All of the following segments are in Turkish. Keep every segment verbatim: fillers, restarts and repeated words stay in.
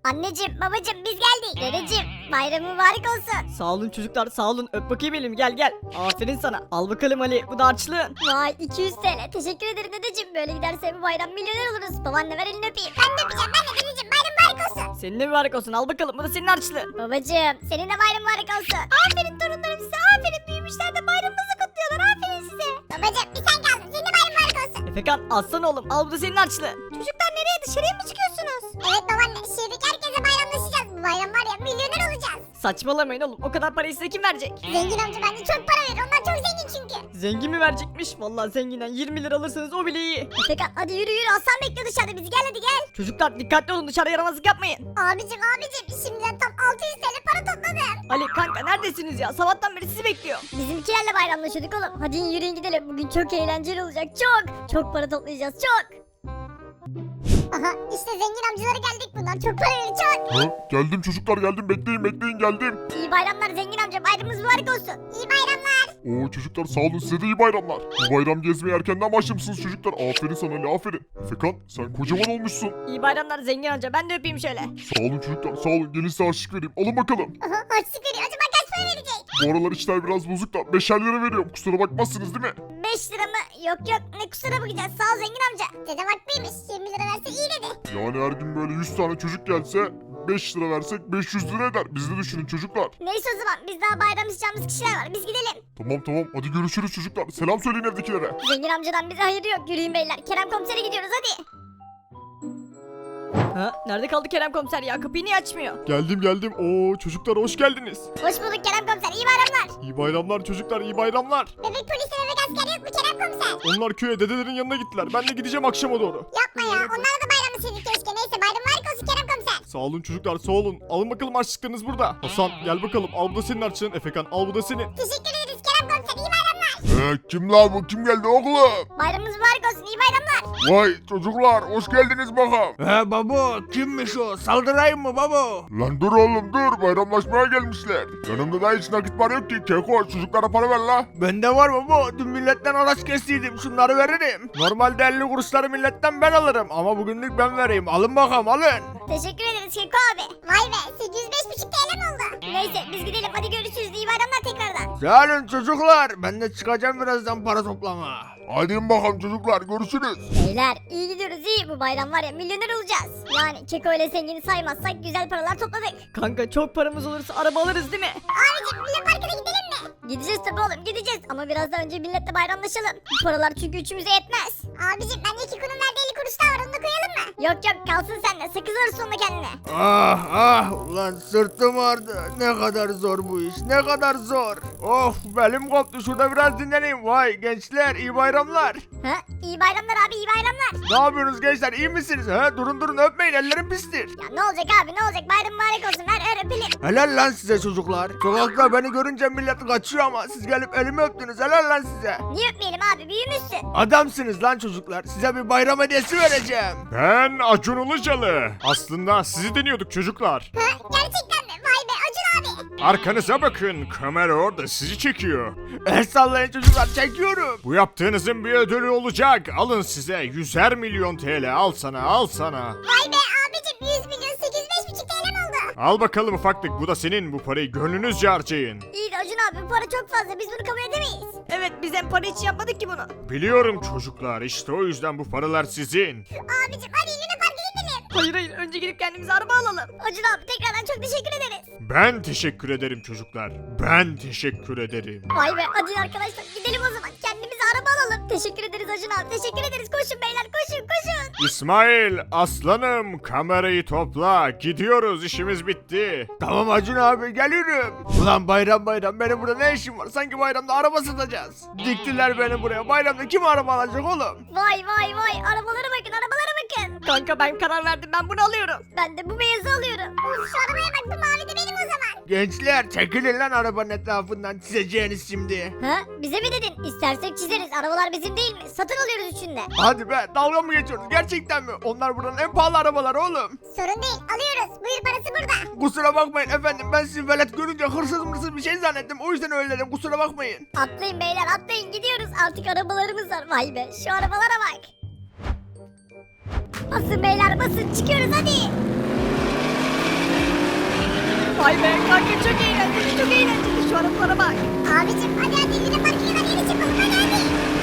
Anneciğim, babacığım biz geldik. Dedeciğim, bayramın mübarek olsun. Sağ olun çocuklar, sağ olun. Öp bakayım elimi, gel gel. Aferin sana. Al bakalım Ali, bu da harçlığın. Vay iki yüz T L. Teşekkür ederim dedeciğim. Böyle giderse bu bayram milyoner oluruz. Babaanne ver elini öpeyim. Ben de öpeceğim. Ben de dedeciğim. Bayram mübarek olsun. Senin de mübarek olsun, al bakalım, bu da senin harçlığın. Babacığım, senin de bayram mübarek olsun. Aferin torunlarım size. Aferin büyümüşler de bayramınızı kutluyorlar. Aferin size. Babacığım bir sen kaldın. Senin de bayram mübarek olsun. Efekan, alsana oğlum, al, bu da senin harçlığın. Çocuklar nereye? Dışarıya mı çıkıyorsunuz? Evet babaanne. Şehirdeki herkese bayramlaşacağız. Bu bayram var ya milyoner olacağız. Saçmalamayın oğlum, o kadar parayı size kim verecek? Zengin amca bence çok para verir. Onlar çok zengin çünkü. Zengin mi verecekmiş? Vallahi zenginden yirmi lira alırsanız o bile iyi. Efekan hadi yürü yürü. Aslan bekliyor dışarıda bizi. Gel hadi gel. Çocuklar dikkatli olun, dışarı yaramazlık yapmayın. Abicim abicim şimdiden tam altı yüz T L para topladım. Ali kanka, neredesiniz ya? Sabahtan beri sizi bekliyor. Bizimkilerle bayramlaşıyorduk oğlum. Hadi yürüyün gidelim. Bugün çok eğlenceli olacak. Çok. Çok para toplayacağız. Çok. Aha işte zengin amcalara geldik. Bunlar çok para verir çok. Ha, geldim çocuklar geldim bekleyin bekleyin geldim. İyi bayramlar zengin amca. Bayramınız mübarek olsun. İyi bayramlar. Oo çocuklar sağ olun size de iyi bayramlar. Bu bayram gezmeye erkenden başlamışsınız çocuklar. Aferin sana Ali aferin. Efekan sen kocaman olmuşsun. İyi bayramlar zengin amca, ben de öpeyim şöyle. Sağ olun çocuklar sağ olun gelin size harçlık vereyim. Alın bakalım. Aha harçlık veriyor. Acaba kaç para verecek? Bu aralar işler biraz bozuk da beşer lira veriyorum. Kusura bakmazsınız değil mi? beş lira mı? Yok yok. Ne kusura bakacağız. Sağ ol zengin amca. Dedem haklıymış. yirmi lira verse iyi dedi. Yani her gün böyle yüz tane çocuk gelse beş lira versek beş yüz lira eder. Biz de düşünün çocuklar. Neyse o zaman. Biz daha bayramlaşacağımız kişiler var. Biz gidelim. Tamam tamam hadi görüşürüz çocuklar. Selam söyleyin evdekilere. Zengin amcadan bize hayır yok. Yürüyün beyler. Kerem komisere gidiyoruz hadi. Ha, nerede kaldı Kerem komiser ya? Kapıyı niye açmıyor? Geldim geldim. Oo çocuklar hoş geldiniz. Hoş bulduk Kerem komiser. İyi bayramlar. İyi bayramlar çocuklar iyi bayramlar. Bebek polisi bebek asker yok mu Kerem komiser? Onlar köye dedelerin yanına gittiler. Ben de gideceğim akşama doğru. Yapma ya. Onlarla da bayramlaşırdık keşke. Neyse bayram mübarek olsun Kerem komiser. Sağ olun çocuklar sağ olun. Alın bakalım harçlıklarınız burada. Hasan gel bakalım al bu da senin harçlığın. Efekan al bu da senin. Teşekkür ederiz Kerem komiser. İyi bayramlar. Eee kim lan bu kim geldi oğlum? Bayramınız mübarek olsun. İyi bayramlar. Vay çocuklar hoş geldiniz bakalım. He babo kimmiş o saldırayım mı babo? Lan dur oğlum dur bayramlaşmaya gelmişler. Yanımda da hiç nakit var yok ki. Keko çocuklara para ver la. Bende var babo dün milletten araç kestiydim şunları veririm. Normalde elli kuruşları milletten ben alırım ama bugünlük ben vereyim alın bakalım alın. Teşekkür ederiz Keko abi. Vay be. sekiz yüz beş buçuk T L mi oldu? Neyse biz gidelim. Hadi görüşürüz. İyi bayramlar tekrardan. Sağ olun çocuklar ben de çıkacağım birazdan para toplama. Hadi bakalım çocuklar görüşürüz. Beyler iyi gidiyoruz iyi. Bu bayram var ya milyoner olacağız. Yani Keko ile zengini saymazsak güzel paralar topladık. Kanka çok paramız olursa araba alırız değil mi? Abicim Millet Parkı'na gidelim mi? Gideceğiz tabii oğlum gideceğiz. Ama biraz daha önce milletle bayramlaşalım. Bu paralar çünkü üçümüze yetmez. Abicim ben iki kunun verdiği elli kuruş daha var onu da koyalım mı? Yok yok kalsın sende. Sakız alırsın onu kendine. Ah ah ulan sırtım ağrıdı ne kadar zor bu iş ne kadar zor. Of belim koptu şurada biraz dinleneyim vay gençler iyi bayramlar. Ha? İyi bayramlar abi iyi bayramlar. Ne yapıyorsunuz gençler iyi misiniz? He? Durun durun öpmeyin ellerim pistir. Ya ne olacak abi ne olacak bayram mübarek olsun ver ver öpelim. Helal lan size çocuklar. Sokakta beni görünce millet kaçıyor ama siz gelip elimi öptünüz helal lan size. Niye öpmeyelim abi büyümüşsün. Adamsınız lan çocuklar. Size bir bayram hediyesi vereceğim. Ben Acun Ilıcalı. Aslında sizi deniyorduk çocuklar. Ha? Gerçekten mi? Vay be Acun abi. Arkanıza bakın kamera orada sizi çekiyor. El sallayın çocuklar çekiyorum. Bu yaptığınızın bir ödülü olacak. Alın size yüzer milyon T L al sana al sana. Vay be abicim yüz milyon sekiz yüz beş buçuk T L mi oldu? Al bakalım ufaklık bu da senin bu parayı gönlünüzce harcayın. İyi de Acun abi bu para çok fazla biz bunu kabul edemeyiz. Evet, biz hem para için yapmadık ki bunu. Biliyorum çocuklar işte o yüzden bu paralar sizin. Abicim hadi Luna Park'a gidelim. Hayır hayır, önce gidip kendimize araba alalım. Acun abi tekrardan çok teşekkür ederiz. Ben teşekkür ederim çocuklar. Ben teşekkür ederim. Vay be hadi arkadaşlar gidelim o zaman kendimize araba alalım. Teşekkür ederiz Acun abi teşekkür ederiz koşun beyler koşun koşun. İsmail aslanım kamerayı topla. Gidiyoruz işimiz bitti. Tamam Acun abi geliyorum. Ulan bayram bayram benim burada ne işim var? Sanki bayramda araba satacağız. Diktiler beni buraya. Bayramda kim araba alacak oğlum? Vay vay vay arabalara bakın arabalara bakın. Kanka ben karar verdim, ben bunu alıyorum. Ben de bu beyazı alıyorum. Uf şu arabaya bak bu mavi de benim o zaman. Gençler çekilin lan arabanın etrafından çizeceğiniz şimdi. Ha bize mi dedin? İstersek çizeriz arabalar bizim değil mi? Satın alıyoruz üçünde. Hadi be dalga mı geçiyoruz gerçekten mi? Onlar buranın en pahalı arabaları oğlum. Sorun değil alıyoruz buyur parası burada. Kusura bakmayın efendim ben sizi velet görünce hırsız mırsız bir şey zannettim o yüzden öyle dedim kusura bakmayın. Atlayın beyler atlayın gidiyoruz artık arabalarımız var vay be şu arabalara bak. Basın beyler basın çıkıyoruz hadi. Vay be kanka çok eğlenceli çok eğlenceli şu arabalara bak. Abicim hadi hadi Luna Park'a kadar yeni çıkalım hadi hadi.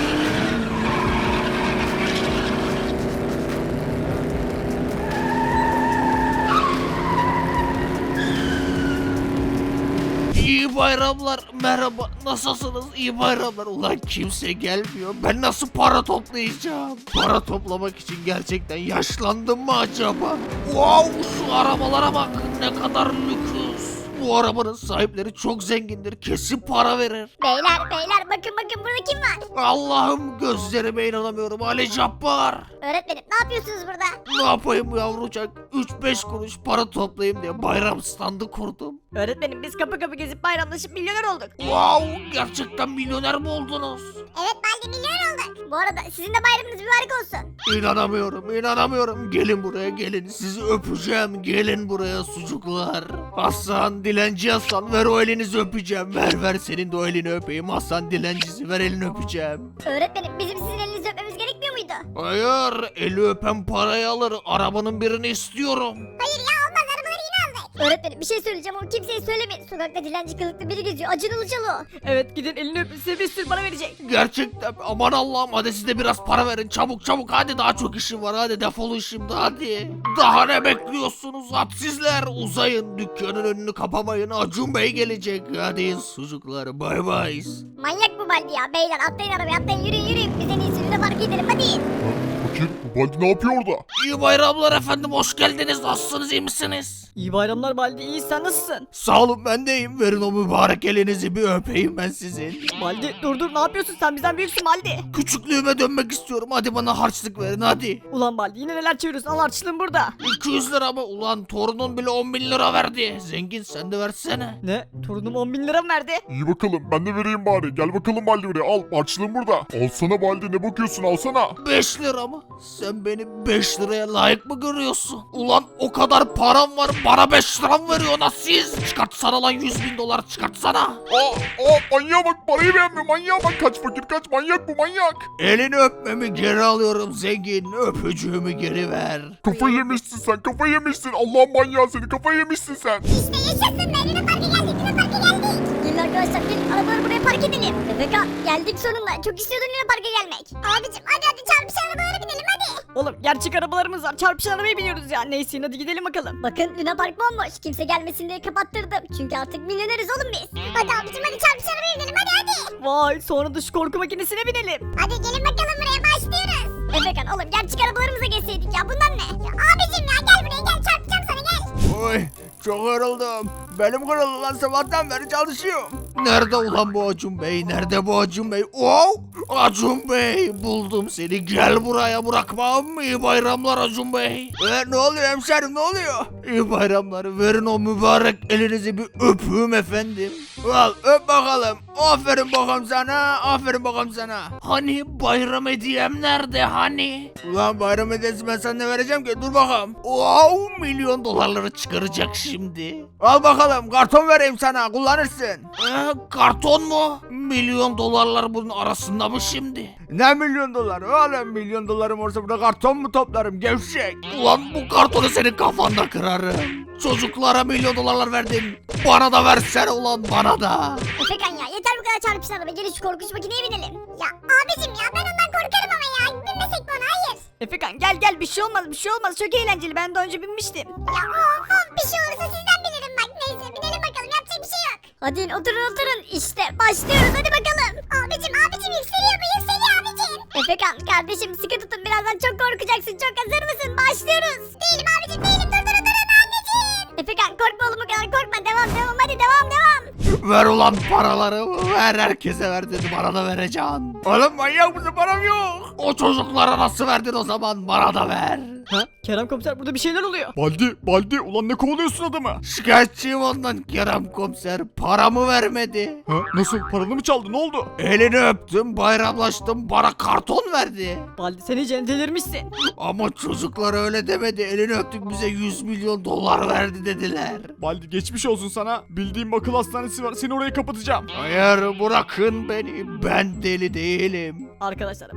İyi bayramlar, merhaba, nasılsınız? İyi bayramlar. Ulan kimse gelmiyor. Ben nasıl para toplayacağım? Para toplamak için gerçekten yaşlandım mı acaba? Wow, şu arabalara bak, ne kadar lüks. Bu arabanın sahipleri çok zengindir, kesin para verir. Beyler beyler bakın bakın burada kim var? Allah'ım, gözlerime inanamıyorum. Ali Cabbar. Öğretmenim ne yapıyorsunuz burada? Ne yapayım yavrucak? üç beş kuruş para toplayayım diye bayram standı kurdum. Öğretmenim biz kapı kapı gezip bayramlaşıp milyoner olduk. Wow, gerçekten milyoner mi oldunuz? Evet Baldi milyoner olduk. Bu arada sizin de bayramınız mübarek olsun. İnanamıyorum, inanamıyorum. Gelin buraya, gelin. Sizi öpeceğim. Gelin buraya sucuklar. Hasan, dilenci Hasan, ver o elinizi öpeceğim. Ver ver, senin de o elini öpeyim. Hasan dilencisi, ver elini öpeceğim. Öğretmenim bizim sizin elinizi öpmemiz gerekmiyor muydu? Hayır, eli öpen parayı alır. Arabanın birini istiyorum. Hayır ya olmaz arabaları yine aldık. Öğretmenim bir şey söyleyeceğim onu kimseye söylemeyin. Sokakta dilenci kılıklı biri geziyor. Acın Ilıcalı o. Evet gidin elini öpün size bir sürü para verecek. Gerçekten aman Allah'ım, hadi siz de biraz para verin. Çabuk çabuk, hadi daha çok işim var. Hadi defolun şimdi, hadi. Daha ne bekliyorsunuz hadsizler? Uzayın, dükkanın önünü kapamayın. Acun Bey gelecek. Hadi sucuklar, bay bay. Manyak bu Baldi ya. Beyler atlayın arabaya atlayın yürüyün yürüyün. Biz en iyisi Luna Park'a gidelim hadi. Fakir bu Baldi ne yapıyor orada? İyi bayramlar efendim, hoş geldiniz. Nasılsınız, iyi misiniz? İyi bayramlar Baldi iyi sen nasılsın? Sağ olun, ben de iyiyim. Verin o mübarek elinizi, bir öpeyim ben sizin. Baldi dur dur ne yapıyorsun sen bizden büyüksün Baldi. Küçüklüğüme dönmek istiyorum. Hadi bana harçlık verin, hadi. Ulan Baldi yine neler çeviriyorsun al harçlığın burada. iki yüz lira mı? Ulan torunun bile on bin lira verdi. Zengin, sen de versene. Ne torunum on bin lira mı verdi? İyi bakalım ben de vereyim bari. Gel bakalım Baldi buraya al harçlığım burada. Alsana Baldi ne bakıyorsun alsana. beş lira mı? Sen beni beş liraya layık mı görüyorsun? Ulan o kadar param var, bana beş lira mı veriyorsun ha siz? Çıkartsana lan yüz bin dolar, çıkartsana. Aa, aa manyağa bak parayı beğenmiyor manyağa bak kaç fakir kaç manyak bu manyak. Elini öpmemi geri alıyorum zengin, öpücüğümü geri ver. Kafayı yemişsin sen kafayı yemişsin Allah'ın manyağı seni kafayı yemişsin sen. İşte yaşasın be Luna Park'a geldik Luna Park'a geldik. Gelin arkadaşlar gelin arabaları buraya park edelim. Efekan geldik sonunda çok istiyordun Luna Park'a gelmek. Abicim hadi hadi çarpışan arabalara binelim hadi. Oğlum gerçek arabalarımız var çarpışan arabaya biniyoruz ya neyse hadi gidelim bakalım. Bakın Luna Park bomboş kimse gelmesin diye kapattırdım. Çünkü artık milyoneriz oğlum biz. Hadi abicim hadi çarpışan arabaya binelim hadi hadi. Vay sonra da şu korku makinesine binelim. Hadi gelin bakalım buraya başlıyoruz. Efekan oğlum gerçek arabalarımıza geçseydik ya bundan ne? Ya abicim ya gel buraya gel çarpacağım sana gel. Oy çok yoruldum. Belim kırıldı lan, sabahtan beri çalışıyorum. Nerede ulan bu Acun Bey? Nerede bu Acun Bey? Wow! Acun Bey, buldum seni. Gel buraya, bırakmam. İyi bayramlar Acun Bey. E, ne oluyor hemşerim, ne oluyor? İyi bayramlar. Verin o mübarek elinizi bir öpüğüm efendim. Al öp bakalım. Aferin bakalım sana. Aferin bakalım sana. Hani bayram hediyem nerede hani? Ulan bayram hediyesi ben sana ne vereceğim ki? Dur bakalım. Wow, milyon dolarları çıkaracak şimdi. Al bakalım, karton vereyim sana, kullanırsın. Ee, karton mu? Milyon dolarlar bunun arasında mı şimdi? Ne milyon dolar oğlum, milyon dolarım olsa burada karton mu toplarım gevşek. Ulan bu kartonu senin kafanda kırarım. Çocuklara milyon dolarlar verdin. Bana da versene ulan, bana da. Efekan ya yeter bu kadar çarpışan araba gelin şu korkunç makineye binelim. Ya abicim ya ben ondan korkarım ama ya binmesek mi ona hayır. Efekan gel gel bir şey olmaz bir şey olmaz çok eğlenceli ben daha önce binmiştim. Ya of of bir şey olursa sizden bilirim bak neyse binelim bakalım yapacak bir şey yok. Hadi in, oturun oturun işte başlıyoruz hadi bakalım. Abicim abicim yükseliyor bu yükseliyor abicim. Efekan kardeşim sıkı tutun birazdan çok korkacaksın çok hazır mısın başlıyoruz. Değilim abicim değilim dur dur dur anneciğim. Efekan korkma oğlum o kadar korkma devam devam hadi devam devam. Ver ulan paraları. Ver, herkese ver dedim, bana da vereceksin. Oğlum manyak mısın, param yok. O çocuklara nasıl verdin o zaman, bana da ver. Ha Kerem komiser burada bir şeyler oluyor. Baldi Baldi ulan ne kovalıyorsun adamı? Şikayetçiyim ondan Kerem komiser, paramı vermedi. Ha, nasıl paranı mı çaldı ne oldu? Elini öptüm, bayramlaştım, bana karton verdi. Baldi sen iyice delirmişsin. Ama çocuklar öyle demedi, elini öptük bize yüz milyon dolar verdi dediler. Baldi geçmiş olsun sana. Bildiğim akıl hastanesi var seni oraya kapatacağım. Hayır, bırakın beni, ben deli değilim. Arkadaşlar Baldi'nin kafası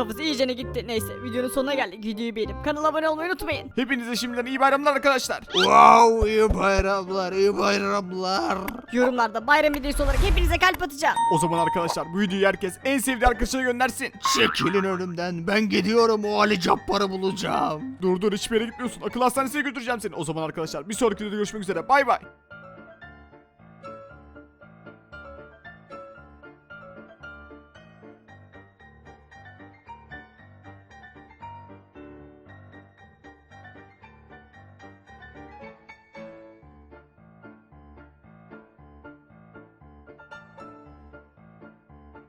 kafası iyicene gitti. Neyse videonun sonuna geldik. Videoyu beğenip kanala abone olmayı unutmayın. Hepinize şimdiden iyi bayramlar arkadaşlar. Wow, iyi bayramlar, iyi bayramlar. Yorumlarda bayram videosu olarak hepinize kalp atacağım. O zaman arkadaşlar bu videoyu herkes en sevdiği arkadaşına göndersin. Çekilin önümden, ben gidiyorum o Ali Cabbar'ı bulacağım. Dur dur hiçbir yere gitmiyorsun. Akıl hastanesine götüreceğim seni. O zaman arkadaşlar bir sonraki videoda görüşmek üzere. Bay bay.